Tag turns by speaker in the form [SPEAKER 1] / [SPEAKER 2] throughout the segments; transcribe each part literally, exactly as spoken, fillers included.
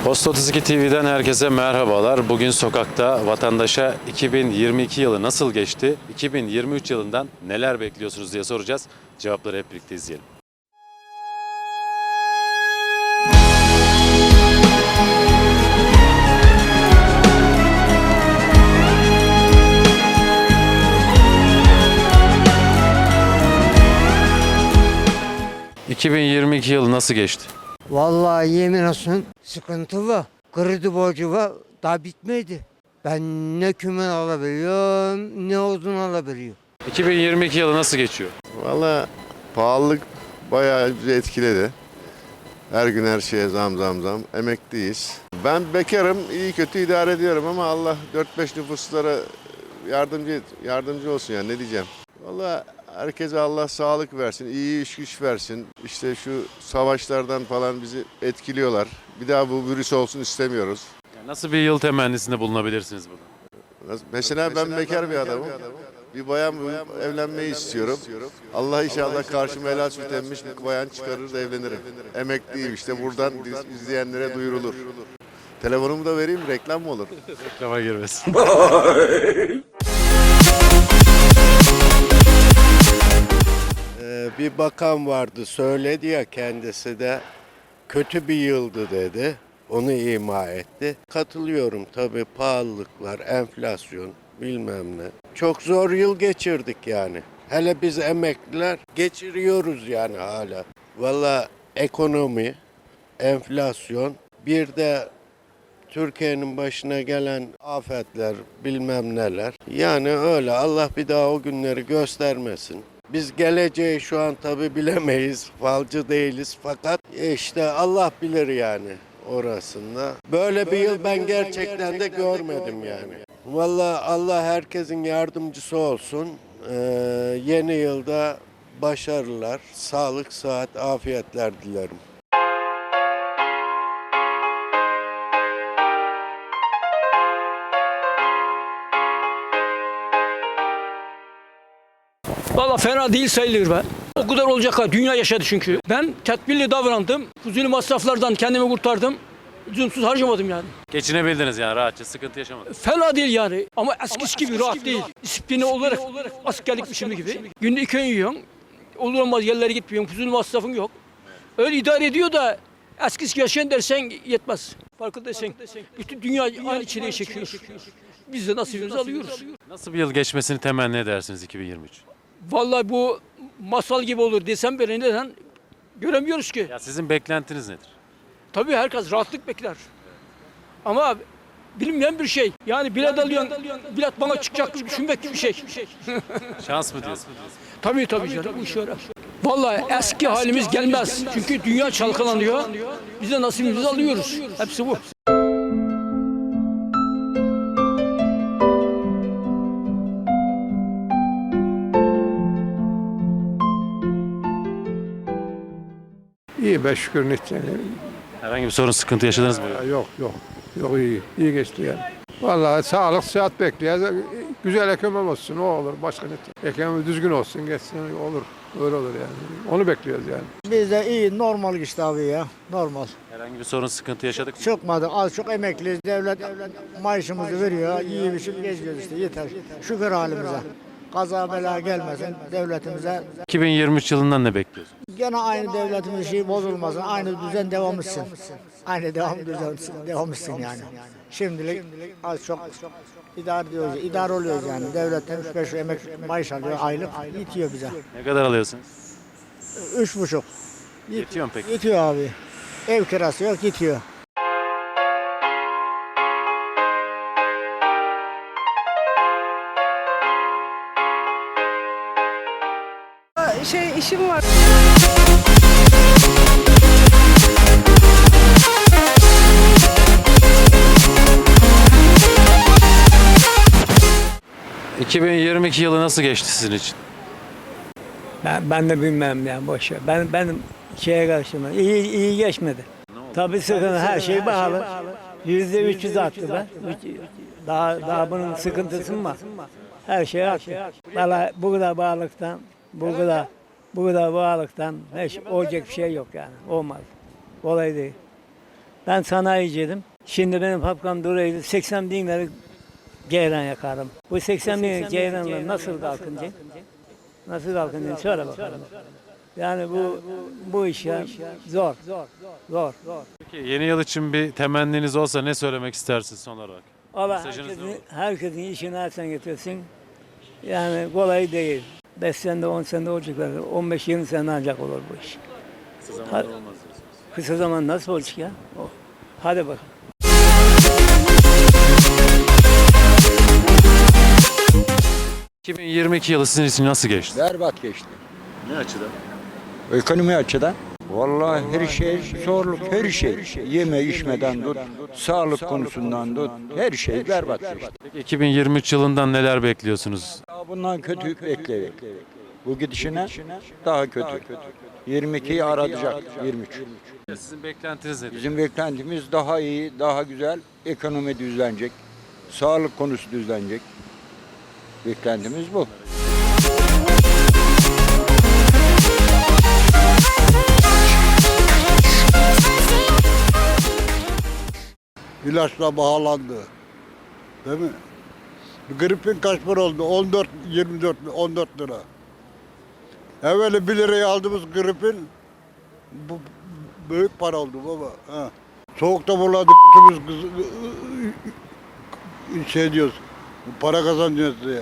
[SPEAKER 1] Post otuz iki T V'den herkese merhabalar. Bugün sokakta vatandaşa iki bin yirmi iki yılı nasıl geçti, iki bin yirmi üç yılından neler bekliyorsunuz diye soracağız. Cevapları hep birlikte izleyelim. iki bin yirmi iki yılı nasıl geçti?
[SPEAKER 2] Vallahi yemin olsun sıkıntı var. Kredi borcu var. Daha bitmedi. Ben ne kümen alabiliyorum ne odun alabiliyorum.
[SPEAKER 1] iki bin yirmi iki yılı nasıl geçiyor?
[SPEAKER 3] Valla pahalılık bayağı bizi etkiledi. Her gün her şeye zam zam zam. Emekliyiz. Ben bekarım, iyi kötü idare ediyorum ama Allah dört beş nüfuslara yardımcı yardımcı olsun yani ne diyeceğim. Valla herkese Allah sağlık versin, iyi iş güç versin. İşte şu savaşlardan falan bizi etkiliyorlar. Bir daha bu virüs olsun istemiyoruz.
[SPEAKER 1] Yani nasıl bir yıl temennisinde bulunabilirsiniz burada?
[SPEAKER 3] Mesela ben bekar bir adamım. Bir bayan bulup evlenmeyi istiyorum. Allah inşallah karşıma helal süt emmiş bir bayan çıkarır da evlenirim. Emekliyim işte buradan izleyenlere duyurulur. Telefonumu da vereyim, reklam mı olur?
[SPEAKER 1] Reklama girmesin.
[SPEAKER 4] Ee, bir bakan vardı söyledi ya kendisi de kötü bir yıldı dedi. Onu ima etti. Katılıyorum tabii pahalılıklar, enflasyon bilmem ne. Çok zor yıl geçirdik yani. Hele biz emekliler geçiriyoruz yani hala. Valla ekonomi, enflasyon bir de Türkiye'nin başına gelen afetler bilmem neler. Yani öyle Allah bir daha o günleri göstermesin. Biz geleceği şu an tabii bilemeyiz, falcı değiliz fakat işte Allah bilir yani orasında. Böyle bir yıl ben gerçekten de görmedim yani. Vallahi Allah herkesin yardımcısı olsun. Ee, yeni yılda başarılar, sağlık, sıhhat, afiyetler dilerim.
[SPEAKER 5] Valla fena değil sayılır be. O kadar olacak ha. Dünya yaşadı çünkü. Ben tedbirli davrandım. Fuzuli masraflardan kendimi kurtardım. Lüzumsuz harcamadım yani.
[SPEAKER 1] Geçinebildiniz yani rahatça, sıkıntı yaşamadınız.
[SPEAKER 5] Fena değil yani. Ama eskisi gibi rahat değil. Disiplini olarak askerlik biçimi gibi. Günde iki öğün yiyorsun. Olur olmaz yerlere gitmiyorsun. Fuzuli masrafın yok. Öyle idare ediyor da eskisi gibi yaşayan dersen yetmez. Farkındaysan. Bütün dünya aynı çileye çekiyor. Biz de nasibimizi alıyoruz.
[SPEAKER 1] Nasıl bir yıl geçmesini temenni edersiniz iki bin yirmi üç?
[SPEAKER 5] Vallahi bu masal gibi olur desem bile neden göremiyoruz ki.
[SPEAKER 1] Ya sizin beklentiniz nedir?
[SPEAKER 5] Tabii herkes rahatlık bekler. Ama bilinmeyen bir şey. Yani bilet alıyorsun, bilet bana çıkacak gibi düşünmek gibi bir şey.
[SPEAKER 1] Şans mı diyorsun?
[SPEAKER 5] Tabii tabii canım bu iş öyle. Vallahi eski halimiz gelmez. Çünkü dünya çalkalanıyor. Biz de nasibimizi alıyoruz. Hepsi bu.
[SPEAKER 6] İyi be şükür ne
[SPEAKER 1] Herhangi bir sorun, sıkıntı yaşadınız mı?
[SPEAKER 6] Yok yok. Yok iyi. İyi geçti yani. Vallahi sağlık sıhhat bekliyoruz. Güzel ekonomi olsun o olur. Başka ne? Ekonomi düzgün olsun geçsin olur. Öyle olur yani. Onu bekliyoruz yani.
[SPEAKER 7] Biz de iyi, normal işte abi ya, normal.
[SPEAKER 1] Herhangi bir sorun, sıkıntı yaşadık mı?
[SPEAKER 7] Çıkmadı, az çok emekliyiz, devlet maaşımızı veriyor, iyi bir şey geziyoruz işte, yeter. Şükür halimize. Kaza bela gelmesin devletimize.
[SPEAKER 1] iki bin yirmi üç yılından ne bekliyorsunuz?
[SPEAKER 7] Gene aynı devletimiz şey bozulmasın, aynı düzen devam etsin. Aynı devam düzen devam etsin yani. Şimdilik az çok idare ediyoruz, idare oluyoruz yani. Devletten üç beş emek maaş alıyor, aylık yetiyor bize.
[SPEAKER 1] Ne kadar alıyorsunuz?
[SPEAKER 7] Üç buçuk.
[SPEAKER 1] Yetiyor mu peki?
[SPEAKER 7] Yetiyor abi. Ev kirası yok, yetiyor.
[SPEAKER 8] Şey işim var.
[SPEAKER 1] iki bin yirmi iki yılı nasıl geçti sizin için?
[SPEAKER 9] Ben, ben de bilmem yani boş ver. Ben benim şeye karşıma iyi iyi geçmedi. Tabii sıkıntı her şey pahalı. Yüzde üç yüz arttı be. Daha daha bunun sıkıntısı mı var? Her şey arttı. Valla bu kadar bağlıktan, bu kadar bu kadar bağlıktan hiç olacak bir şey yok yani. Olmaz. Kolay değil. Ben sanayiciydim. Şimdi benim papkam duraydı. seksen bin lira ceyran yakarım. Bu seksen bin lira ceyranla nasıl kalkınacak? Nasıl kalkınacak? Söyle bakalım. Yani bu bu iş ya zor. Zor.
[SPEAKER 1] Peki yeni yıl için bir temenniniz olsa ne söylemek istersiniz son olarak?
[SPEAKER 9] Allah
[SPEAKER 1] Mesajınız ne
[SPEAKER 9] herkesin,
[SPEAKER 1] olur?
[SPEAKER 9] herkesin işini alsan getirsin. Yani kolay değil. beş senede on senede olacaklar. on beş yirmi sene ancak olur bu iş.
[SPEAKER 1] Kısa zamanda olmaz diyorsunuz.
[SPEAKER 9] Kısa zaman nasıl olacak ya? O. Hadi bakalım.
[SPEAKER 1] iki bin yirmi iki yılı sizin için nasıl geçti?
[SPEAKER 10] Berbat geçti.
[SPEAKER 1] Ne açıdan?
[SPEAKER 10] Ekonomi açıdan. Vallahi her şey zorluk, her şey. Yeme içmeden tut, sağlık konusundan tut, her şey berbat geçti.
[SPEAKER 1] Peki iki bin yirmi üç yılından neler bekliyorsunuz?
[SPEAKER 10] Daha bundan kötü bekleyin. Bu gidişine daha kötü. yirmi ikiyi aratacak, yirmi üç.
[SPEAKER 1] Sizin beklentiniz nedir?
[SPEAKER 10] Bizim beklentimiz daha iyi, daha güzel. Ekonomi düzlenecek, sağlık konusu düzlenecek. Beklentimiz bu.
[SPEAKER 11] İlaçla bağlandı. Değil mi? Gripin kaç para oldu? on dört, yirmi dört, on dört lira. Evveli bir liraya aldığımız gripin bu büyük para oldu baba. Ha. Soğukta buladık kız şey diyoruz. Para kazanıyoruz diye.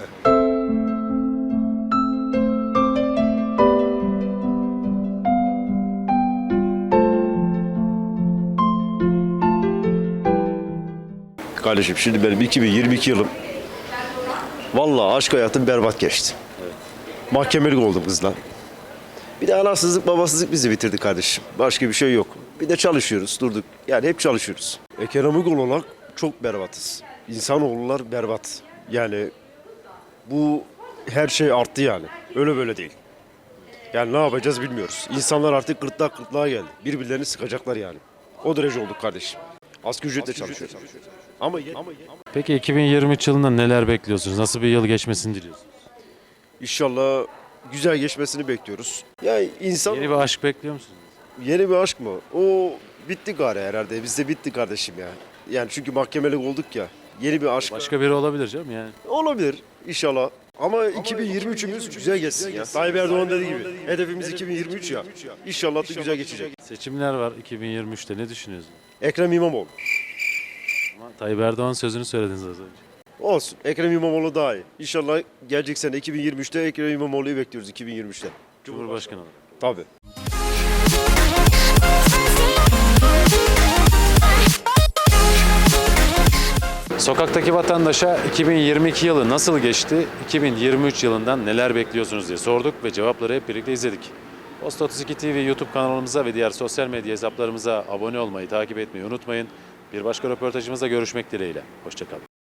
[SPEAKER 12] Kardeşim şimdi benim iki bin yirmi iki yılım vallahi aşk hayatım berbat geçti. Mahkemelik oldum kızla. Bir de anasızlık babasızlık bizi bitirdi kardeşim. Başka bir şey yok. Bir de çalışıyoruz durduk. Yani hep çalışıyoruz. Ekonomik olarak çok berbatız. İnsanoğullar berbat. Yani bu her şey arttı yani. Öyle böyle değil. Yani ne yapacağız bilmiyoruz. İnsanlar artık gırtlak gırtlağa geldi. Birbirlerini sıkacaklar yani. O derece olduk kardeşim. Asgari ücretle çalışıyoruz. Ama, ama
[SPEAKER 1] Peki iki bin yirmi üç yılında neler bekliyorsunuz? Nasıl bir yıl geçmesini diliyorsunuz?
[SPEAKER 12] İnşallah güzel geçmesini bekliyoruz. Ya insan
[SPEAKER 1] Yeni bir aşk bekliyor musunuz?
[SPEAKER 12] yeni bir aşk mı? O bitti gari herhalde. Bizde bitti kardeşim ya. Yani çünkü mahkemelik olduk ya. Yeni bir aşk
[SPEAKER 1] Başka biri olabilir canım yani.
[SPEAKER 12] olabilir inşallah. Ama iki bin yirmi üçümüz güzel geçsin ya. Tayyip Erdoğan dediği gibi. Hedefimiz iki bin yirmi üç ya. İnşallah da güzel geçecek.
[SPEAKER 1] Seçimler var iki bin yirmi üçte. Ne düşünüyorsunuz?
[SPEAKER 12] Ekrem İmamoğlu.
[SPEAKER 1] Ama Tayyip Erdoğan sözünü söylediniz az önce.
[SPEAKER 12] Olsun. Ekrem İmamoğlu daha iyi. İnşallah gelecek sene iki bin yirmi üçte Ekrem İmamoğlu'yu bekliyoruz iki bin yirmi üçte.
[SPEAKER 1] Cumhurbaşkanı olarak.
[SPEAKER 12] Tabii.
[SPEAKER 1] Sokaktaki vatandaşa iki bin yirmi iki yılı nasıl geçti, iki bin yirmi üç yılından neler bekliyorsunuz diye sorduk ve cevapları hep birlikte izledik. Post otuz iki T V YouTube kanalımıza ve diğer sosyal medya hesaplarımıza abone olmayı, takip etmeyi unutmayın. Bir başka röportajımızda görüşmek dileğiyle. Hoşça kalın.